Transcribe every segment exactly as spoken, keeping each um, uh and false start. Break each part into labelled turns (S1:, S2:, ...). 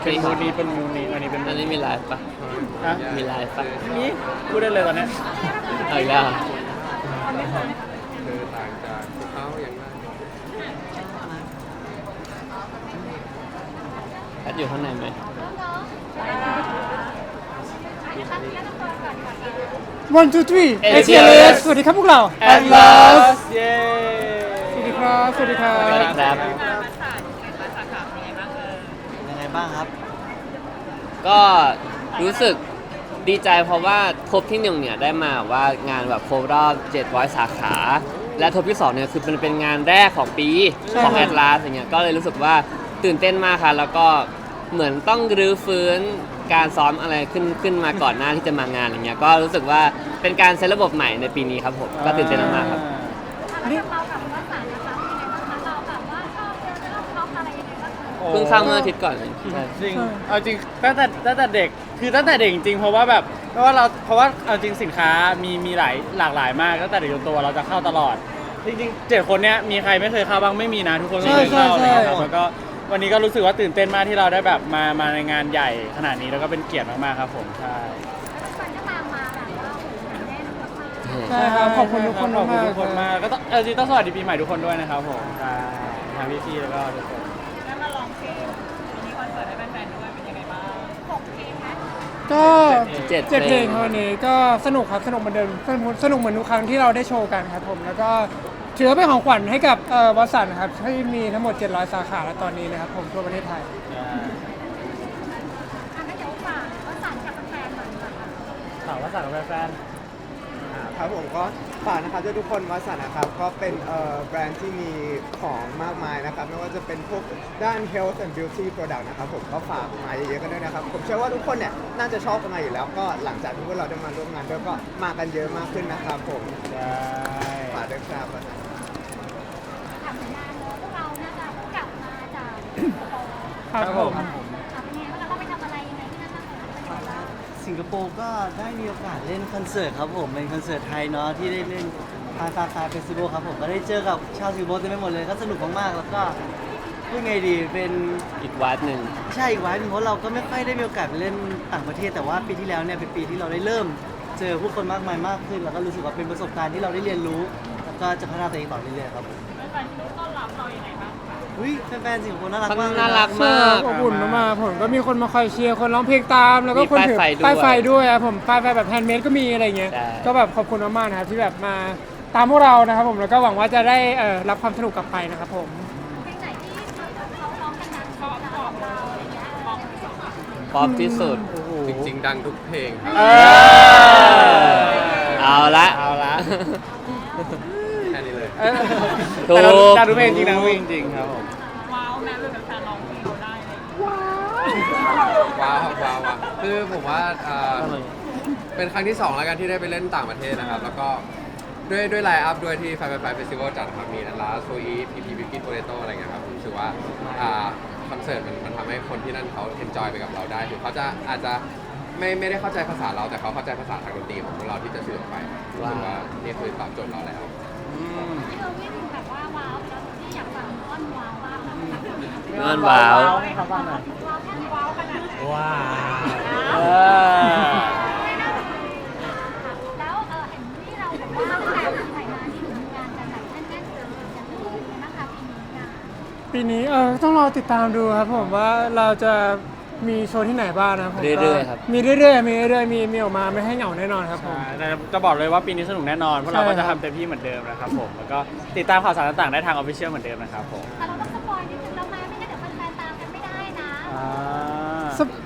S1: เป็นมูนี้เป็นมูนี้อันนี้เป็น
S2: อันนี้มีไลฟ์ปะ
S1: นะ
S2: มีไลฟ์ปะ
S1: นี่พูดได้เลยตอนนี้
S2: เอาอีกแล้ว
S3: เธอต่างจากพวกเขาอย่างไร
S2: แอดอยู่ข้างในไหม
S4: one two three
S2: เอ
S4: เอ
S2: เชี
S4: เชี
S2: ย
S4: ย
S2: เล
S4: เล
S2: ส
S4: สสวัสดีครับพวกเรา
S1: แอดลาสเย้
S4: สวัสดีครับ สวัสดีครับ
S2: สวัสดีครับ
S5: ยังไงบ้างครับ
S2: ก็รู้สึกดีใจเพราะว่าทบที่หนึ่งเนี่ยได้มาว่างานแบบครบรอบเจ็ดร้อยสาขา และทบที่สองเนี่ยคือเป็นเป็นงานแรกของปีของแอดลาสอย่างเงี้ยก็เลยรู้สึกว่าตื่นเต้นมากค่ะแล้วก็เหมือนต้องรื้อฟื้นการซ้อมอะไรขึ้นขึ้นมาก่อนหน้าที่จะมางานอย่างเงี้ยก็รู้สึกว่าเป็นการเซตระบบใหม่ในปีนี้ครับผมก็ตื่นเต้นมากๆครับ
S4: นี่
S2: เพิ่งเข้าเมื่ออาทิตย์ก่อนเลยใช่
S1: จริงเอาจริงตั้งแต่ตั้งแต่เด็กคือตั้งแต่เด็กจริงๆเพราะว่าแบบเพราะว่าเราเพราะว่าเอาจริงสินค้ามีมีหลายหลากหลายมากตั้งแต่เด็กจนโตเราจะเข้าตลอดจริงๆเจ็ดคนเนี้ยมีใครไม่เคยเข้าบ้างไม่มีนะทุกคนเคยเข้าอะไรเงี้ยครับแล้วก็วันนี้ก็รู้สึกว่าตื่นเต้นมากที่เราได้แบบมามาในงานใหญ่ขนาดนี้แล้วก็เป็นเกียรติมากๆครับผมใช่
S4: ใช่ครับ ขอบคุณทุกคน
S1: ขอบคุณ
S4: มาก
S1: ทุกคนมากก็ต้องเอาจริงต้องสวัสดีปีใหม่ทุกคนด้วยนะครับผมใช่ทางพี่ๆแล้วก็ทุกคน
S4: ก็
S2: เจ็ด
S4: เจ็ดเพลง
S2: เพลง
S4: วันนี้ก็สนุกครับ สนุกเหมือนเดิมสนุกสนุกเหมือนทุกครั้งที่เราได้โชว์กันครับผม แล้วก็ถือว่าเป็นของขวัญให้กับเอ่อวสันต์ครับที่มีทั้งหมดเจ็ดร้อยสาขาแล้วตอนนี้นะครับผมทั่วประเทศไทย
S1: ถามว่าสั่งกับแฟน
S6: ครับผมก็ฝากนะครับทุกคนวัสันนะครับก็เป็นเอ่อแบรนด์ที่มีของมากมายนะครับไม่ว่าจะเป็นพวกด้าน health and beauty product นะครับผมก็ฝากมาเยอะๆกันด้วยนะครับผมเชื่อว่าทุกคนเนี่ยน่าจะชอบกันมาอยู่แล้วก็หลังจากที่พวกเราได้มาร่วมงานด้วยก็มากันเยอะมากขึ้นนะครับผม
S1: ๆใช่
S6: ฝากด้วยครับ
S4: ครับผม
S5: สิงคโปร์ก็ได้มีโอกาสเล่นคอนเสิร์ตครับผมเป็นคอนเสิร์ตไทยเนาะที่ได้เล่นพาซาคาเฟสติวัลครับผมก็ได้เจอกับชาวสิงคโปร์เต็มไปหมดเลยก็สนุกมากๆแล้วก็พูดไงดีเป็น
S2: อีกวัดหนึ่ง
S5: ใช่อีกไว้เพราะเราก็ไม่ค่อยได้มีโอกาสไปเล่นต่างประเทศแต่ว่าปีที่แล้วเนี่ยเป็นปีที่เราได้เริ่ม เจอผู้คนมากมายมากขึ้น แล้วก็รู้สึกว่าเป็นประสบการณ์ที่เราได้เรียนรู้ แล้วก็จะพัฒนาตัวเองต่อเรื่อยๆครับผมแฟนๆต้อนรับเราอย่างไรบ้างอุ้ยแฟนๆสิงคโปร์น่ารักมาก
S2: น่ารัก
S4: มากอบอุ่นมากๆผมก็มีคนมาคอยเชียร์คนร้องเพลงตามแล้วก็คนถือ
S2: มีป้ายไฟด้วย
S4: ป้ายไฟด้วยครับผมป้ายไฟแบบแฮนด์เมดก็มีอะไรเงี้ย
S2: ใช่
S4: ก็แบบขอบคุณมากๆนะครับที่แบบมาตามพวกเรานะครับผมแล้วก็หวังว่าจะได้เอ่อรับความสนุกกลับไปนะครับผม
S2: ป๊อปที่สุด
S3: จริงๆ ดังทุกเพลงครับ
S1: เออ
S2: เอาละ
S1: เอาละ
S3: แค่นี้เลย
S1: เออ
S2: ถูก
S1: แต่เราดังทุกเพลงจริงดังทุกเพลงจริงครับผม
S3: ว้าวครับว้าวว้าวคือผมว่าเอ่อเป็นครั้งที่สองแล้วกันที่ได้ไปเล่นต่างประเทศนะครับ แล้วก็ด้วยด้วยไลน์อัพด้วยที่ไฟไฟไฟเฟสติวัลจัดครับมีนันลาโซอีพีพีบิกิโตเรโตอะไรเงี้ยครับผมรู้สึกว่าอ่าคอนเสิร์ตมันมันทำให้คนที่นั่นเขาเอนจอยไปกับเราได้ถึงเขาจะอาจจะไม่ไม่ได้เข้าใจภาษาเราแต่เขาเข้าใจภาษาทางดนตรีของพวกเราที่จะสื่อออกไปรู้สึกว่านี่คือตอบโจทย์เราแล้ว
S2: นอนว้าว
S1: ให้เขาฟังหน่อย
S4: ว้าว
S1: เออ
S7: แล้วเออเห็นที่เราบอกว่าแต่ปีใหม่มาที่ถึงงานกันแบบแน่นๆเลยอย่างนี้นะคะปีนี้งาน
S4: ปีนี้เออต้องรอติดตามดูครับผมว่าเราจะมีโชว์ที่ไหนบ้างนะครับผมก็
S2: เรื่อยๆครับ
S4: มีเรื่อยๆมีเรื่อยๆมีมีออกมาไม่ให้เหงาแน่นอนครับผม
S1: ใช่แต่จะบอกเลยว่าปีนี้สนุกแน่นอนพวกเราก็
S4: ใช่ครั
S1: จะ
S4: บ
S1: ทำเต็มที่เหมือนเดิมนะครับผมแล้วก็ติดตามข่าวสารต่างๆได้ทางออฟฟิเชียลเหมือนเดิมนะครับผม
S7: แต่เราต้องสปอยนิดนึงแล้วไหมไม่งั้นเดี๋ยวแฟนๆตามกันไม่ได้นะ
S1: อ่า
S4: สป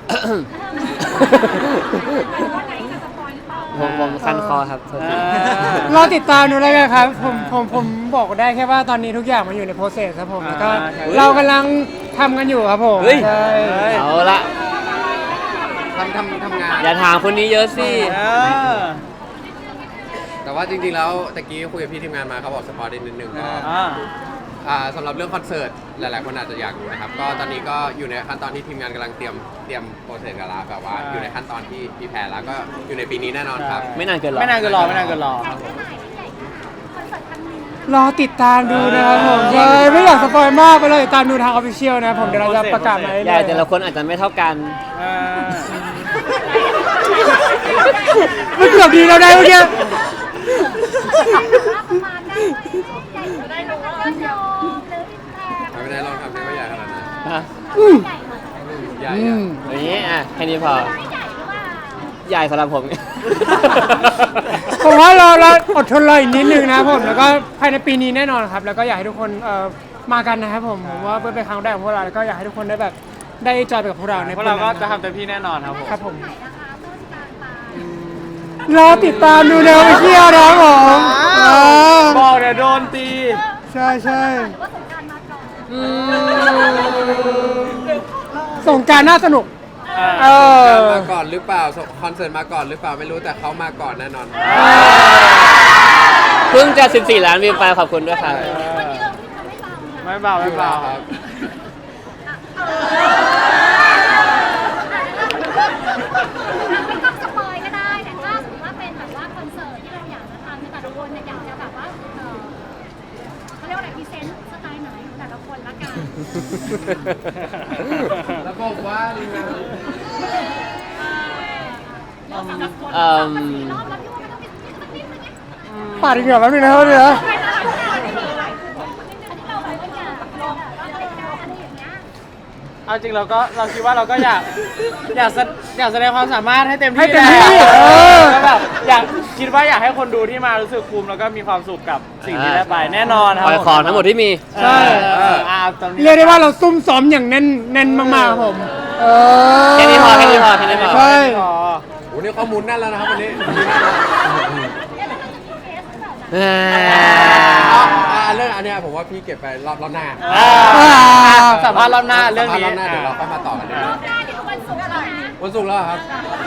S7: ว่าไหนจะสปอยหรือเปล่า
S2: ผมผมคันคอครับโทษที
S4: รอติดตามดูแล้วกันครับผมผมผมบอกได้แค่ว่าตอนนี้ทุกอย่างมันอยู่ในโปรเซสครับผมแล้วก็
S1: อ่าใช่
S4: เรากำลังทำกันอยู่ครับผม
S2: เฮ้ย
S4: ใช่
S2: เอาละ
S3: ทำทำทำงาน
S2: อย่าถามคนนี้เยอะสิ
S1: เออ
S3: แต่ว่าจริงๆ แล้วตะกี้คุยกับพี่ทีมงานมาเขาบอกสปอร์ตนิดนึงก็
S1: อ่า
S3: อ่าสำหรับเรื่องคอนเสิร์ตหลายๆ คนอาจจะอยากรู้นะครับ ก็ตอนนี้ก็อยู่ในขั้นตอนที่ทีมงานกำลังเตรียมเตรียมโปรเซสกันแล้วแบบว่าอยู่ในขั้นตอนที่พีแพร์แล้วก็อยู่ในปีนี้แน่นอนครับ
S2: ไม่นานเกินหรอก
S1: ไม่นานเกินรอไม่นานเกินรอ
S7: ใหญ่แค่ไหนที่ใหญ่คอนเสิร์ตครั้งนี้
S4: รอติดตามดูนะครับผมใช่ไม่อยากสปอยมากไปเลยติดตามดูทางออฟฟิเชียลนะครับผมเดี๋ยวเราจะประกาศมาเรื่อยๆ
S2: ใหญ่แต่ละคนอาจจะไม่เท่ากัน
S1: อ่า
S4: มันเกือบดีแล้วได้เมื่อกี้
S7: ประมาณได้ใหญ่ได้รู้ว่ายอดโยมหรืออินแพค
S3: ไม่ได้ลองทำได้ไม่ใหญ่ขนาดนั้น
S2: ฮะ
S7: ใหญ่ไหม
S3: ใหญ่
S4: อื
S3: อะ
S4: ม
S2: อย่างนี้อ่ะแค่นี้พอ
S7: ไม่ใหญ่หรือเปล่า
S2: ใหญ่สำหรับผม
S4: ผมว่าเราเราอดทนรออีกนิดนึงนะครับผมแล้วก็ภายในปีนี้แน่นอนครับแล้วก็อยากให้ทุกคนเอ่อมากันนะครับผมผมว่าเพื่อเป็นครั้งแรกของพวกเราแล้วก็อยากให้ทุกคนได้แบบได้จอยไปกับพวกเราใน
S1: พวกเราก็
S4: ปีนั้น
S1: จะทำเต็มที่แน่นอนครับผม
S4: ครับผม
S7: ไหนนะคะต้นกลางปลาย
S4: รอติดตามดูแนวไปเที่ยวนะครับผมเออ
S1: บอกเดี๋ยวโดนตี
S4: ใช่ใช่
S7: หรือว่าสงกรารมาก่อน
S4: ส่งกรารน่าสนุก
S1: อ่า
S4: เออ
S3: มาก่อนหรือเปล่าคอนเสิร์ตมาก่อนหรือเปล่าไม่รู้แต่เขามาก่อนแน่นอน
S2: เพิ่งจะสิบสี่ล้านวิวไปขอบคุณด้วยครับ
S7: วันนี้เราที่ทำให้เบานะ
S1: ไม่เบาไม่เบา
S3: ครับ
S7: ไม่ต้องสปอยก็ได้แต่ถ้าสมมติว่าเป็นแบบว่าคอนเสิร์ตที่เราอยากจะทำในแต่ละคนเนี่ยอยากจะแบบว่าเออเขาเรียกว่าอะไรพรีเซนต์สไตล์ไหนของแต่ละคนละกัน
S3: แล้วบอกว่า
S7: เราสำหรับคน
S2: เอิ่ม
S7: สี่รอบแล้วพี่ว่ามันต้องมีสักนิดนึงไง
S4: ปาดอีกเหรอแป๊บนึงนะครับเดี๋ยวนะ
S7: อันนี้เราแบบว่าอยากลองแบบว่าอะไรกันอะไรอย่างเงี้ย
S1: เอาจริงเราก็เราคิดว่าเราก็อยากอยากแสอยากแสดงความสามารถให้เต็ม
S4: ให้
S1: ที่
S4: เต็ม
S1: แหละ
S4: ที่เออ
S1: ก็แบบอยากคิดว่าอยากให้คนดูที่มารู้สึกภูมิแล้วก็มีความสุขกับสิ่งที่ได้ไปแน่นอนครั
S2: ปล่อยของทั้งหมดที่มี
S1: ใช่เอออ่าตอนนี้
S4: เรียกได้ว่าเราซุ่มซ้อมอย่างแน่นแน่นมากๆครับผมเออ
S2: แค่นี้พอแค่นี้พอแค่นี้พอ
S4: ใช่
S1: อ๋อ
S3: โอ้โหนี่ข้อมูลแน่นแล้วนะครับวันนี้วันนี้แน่นแล้ว
S2: อ่า
S3: อ่ะอ่ะเรื่องอันเนี้ยผมว่าพี่เก็บไปรอบรอบหน้า
S1: อ่าสัมภาษณ์รอบหน้าเรื่องนี้
S3: สัมภาษณ์รอบหน้าเดี๋ยวเราค่อยมาต่อกันดี
S7: รอบหน้าเดี๋ยววันศุกร์แล้วนะ
S3: วันศุกร์แล้วเหรอครับ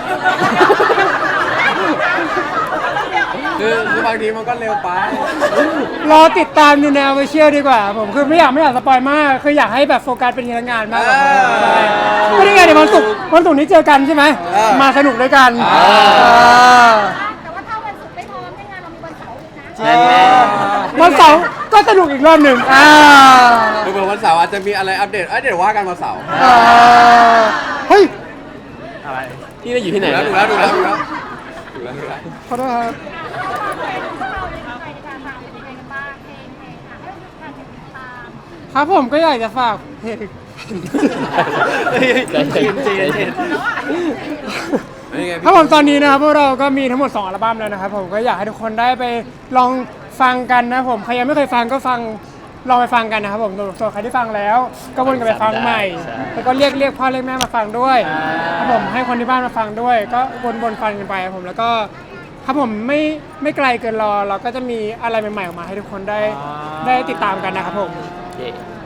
S3: คือคือบางทีมันก็เร็วไป
S4: รอติดตามดูแนวไปเชียลดีกว่าผมคือไม่อยากไม่อยากสปอยมากคืออยากให้แบบโฟกัสเป็นงานมากกว่า
S3: เออ
S4: ใช่ไม่ได้ไงเดี๋ยววันศุกร์วันศุกร์นี้เจอกันใช่ไหม
S3: เออ
S4: มาสนุกด้วยกัน
S2: เออ
S4: เออ
S7: แต่ว่าถ้าวันศุกร์ไม่พร้อมในงานเรามีวันเสาร์อีกนะ
S2: แน่
S4: วันเสาร์ก็สนุกอีกรอบหนึ่งอ่า
S3: คือเผื่อวันเสาร์อาจจะมีอะไรอัปเดตเอ้ยเดี๋ยวว่ากันวันเสาร์
S4: เออเฮ้ย
S1: อะไร
S2: พี่ไปอยู่ที่ไหน
S3: ดูแล้วดูแล้วดูแล้วดูแล้วดูแล้ว
S4: ขอโทษครับ
S7: พวกเราในใจในการฟังเป็นยังไงกันบ้างเพลงเพลงอ่ะให้ทุกท่านติดตาม
S4: ครับผมก็อยากจะฝากเพลง
S2: ใจเย็นใจเย็น
S3: นี่ไง
S4: ครับผมตอนนี้นะครับพวกเราก็มีทั้งหมดสองอัลบั้มแล้วนะครับผมก็อยากให้ทุกคนได้ไปลองฟังกันนะผมใครยังไม่เคยฟังก็ฟังลองไปฟังกันนะครับผมส่วนใครที่ฟังแล้ว ก็วนกลับไปฟังใหม่ แล้วก็เรียกเรียกพ่อเรียกแม่มาฟังด้วยครับผมให้คนที่บ้านมาฟังด้วย ก็วนวนฟังกันไปครับผมแล้วก็ครับผมไม่ไม่ไกลเกินรอ เราก็จะมีอะไรใหม่ๆออกมาให้ทุกคนได้ได้ติดตามกันนะครับผม
S2: เย่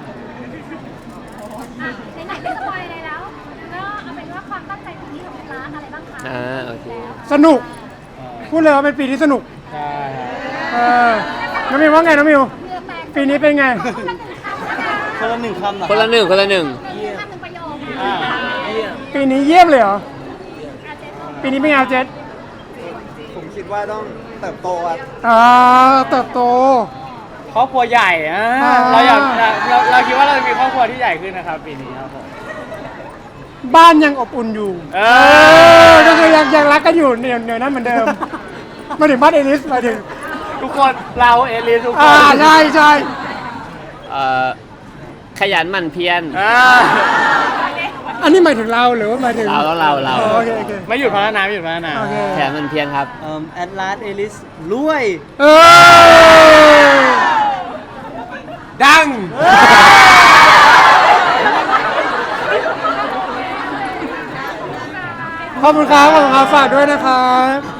S7: อ่ะไหนๆไม่สปอยอะไรแล้ว ก็เอาเป็นว่าความตั้งใจปีนี้ของร้านอะไรบ้างคะ
S2: อ่าโอเค
S4: สนุกพูดเลยว่าเป็นปีที่สนุก
S1: ใช่ครับ
S4: เออน้องมิวว่าไงน้องมิว
S7: เหงื่อแตก
S4: ปีนี้เป็นไง
S5: คนละหนึ่งคำเหรอ
S2: คนละหนึ่งคนละหนึ่ง
S7: หนึ่งคำหนึ่งประโยค
S1: อ่า
S4: ปีนี้เยี่ยมเลยเหรอ ปีนี้เป็นไงเจษ
S6: ผมคิดว่าต้องเติบโตอ่ะ
S4: อ่าเติบโต
S1: ครอบครัวใหญ่อ่ะ
S4: อ่า
S1: เราอยากเราเราคิดว่าเราจะมีครอบครัวที่ใหญ่ขึ้นนะครับปีนี้ครับผม
S4: บ้านยังอบอุ่นอยู่
S1: เอ
S4: เอ
S1: อ
S4: อก็คือยังยังรักกันอยู่เหนียวเหนียวนั้นเหมือนเดิม มาถึงบ้านเอลิสมาถึง
S1: ทุกคนเราเอลิสทุกค
S4: อ่าน ใช่ใช่
S2: เอ่อขยันหมั่นเพียร
S1: อ่า
S4: อันนี้หมายถึงเราหรือว่าหมายถึง
S2: เราแล้วเราเรา
S4: อ๋อโอเคโอเค
S1: ไม่หยุดพัฒนาไม่หยุดพัฒนา
S4: โอเค
S2: ขยันหมั่นเพียรครับ
S5: เอ่อแอดลาสเอลิสรวย
S4: เออ
S3: ดัง
S4: ขอบคุณครับขอบคุณครับฝากด้วยนะครับ